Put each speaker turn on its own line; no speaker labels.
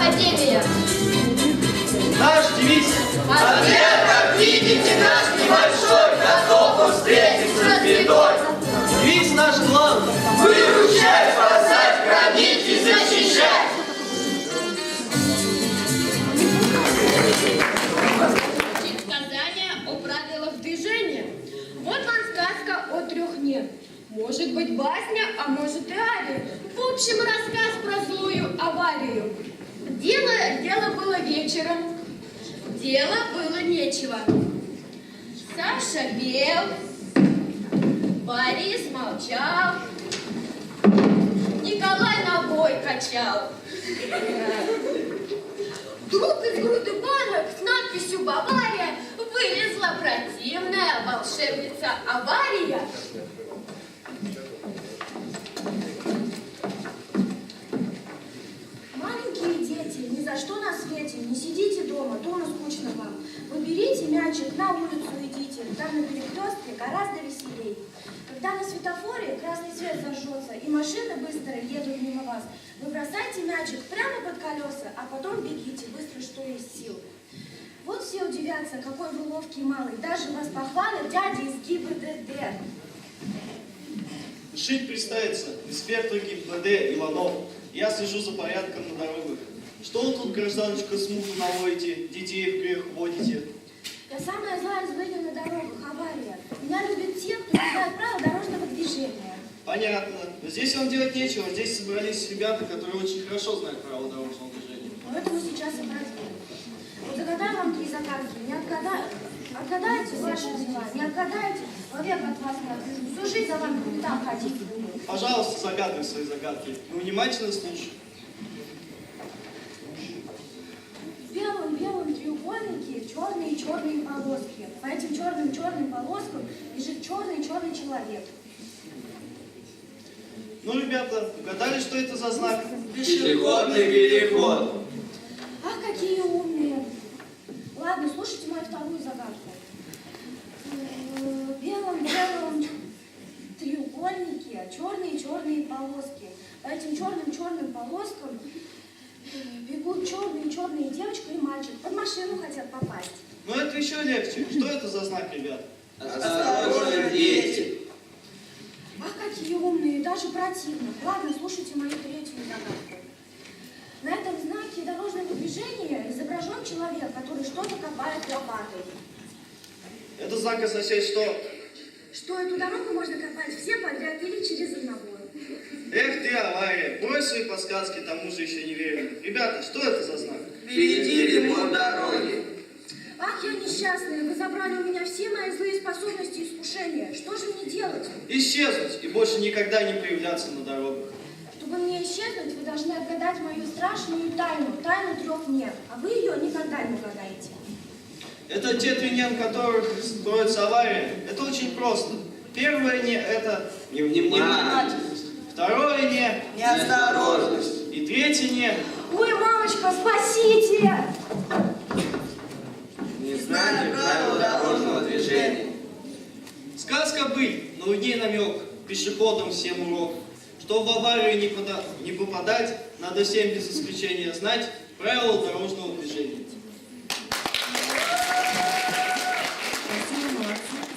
Академия.
Наш девиз.
Ответ, как видите, наш небольшой, готов встретиться с бедой.
Девиз наш главный.
Выручай, спасать, хранить и защищать.
Учить сказания о правилах движения. Вот вам сказка о трех «не». Может быть басня, а может и ария. В общем, рассказ про злую аварию. Дело было вечером. Дело было нечего. Саша пел, Борис молчал, Николай ногой качал. Вдруг из груды банок с надписью «Бавария» вылезла противная волшебница Авария.
Маленькие дети, ни за что на свете не сидите дома, дома скучно вам. Вы берите мячик, на улицу идите, там на перекрестке гораздо веселей. Когда на светофоре красный свет зажжется и машины быстро едут мимо вас, вы бросайте мячик прямо под колеса, а потом бегите быстро, что есть сил. Вот все удивятся, какой вы ловкий малый, даже вас похвалят дяди из ГИБДД.
Шить представится инспектор ГИБДД Иванов. Я слежу за порядком на дорогах. Что вы тут, гражданочка, смуту наводите, детей в грех вводите?
Я самая злая злыдня на дорогах, авария. Меня любят те, кто не знает правил дорожного движения.
Понятно. Но здесь вам делать нечего. Здесь собрались ребята, которые очень хорошо знают правила дорожного движения.
Но это мы сейчас и проделаем. Вот загадаю вам 3 загадки, не отгадаю. Отгадаете ваши дела, не отгадаете, вовек от вас не отвяжу. Всю жизнь за вами по пятам ходить буду.
Пожалуйста, загадывай свои загадки. Мы внимательно слушаем.
В белом-белом треугольнике черные полоски. По этим черным полоскам лежит черный человек.
Ну, ребята, угадали, что это за знак?
Пешеходный переход.
Ах, какие умные. Ладно, слушайте мою вторую загадку. В белом-белом треугольнике черные полоски. По этим черным полоскам бегут черные девочка и мальчик. Под машину хотят попасть.
Ну, это еще легче. Что это за знак, ребят?
Осторожно, дети.
Ах, какие умные, даже противно. Ладно, слушайте мою третью загадку. На этом знаке дорожного движения изображен человек, который что-то копает лопатой.
Это знак означает, что...
Что эту дорогу можно копать все подряд или через одного.
Эх ты, авария, брось свои подсказки, тому же еще не верю. Ребята, что это за знак?
Впереди ремонт дороги.
Ах, я несчастная, вы забрали у меня все мои злые способности и искушения. Что же мне делать?
Исчезнуть и больше никогда не появляться на дорогах.
Чтобы мне исчезнуть, вы должны отгадать мою страшную тайну 3 «не», а вы ее никогда не угадаете.
Это те 3 «не», в которых строится авария. Это очень просто. Первое «не» — это невнимательность. Второе «не» —
Неосторожность.
И третье «не» —
Ой, мамочка, спасите!
Незнание правил дорожного движения.
сказка быть, но в ней намек, пешеходам всем урок, что в аварию не попадать, надо всем без исключения знать правила дорожного движения.
Спасибо, молодцы.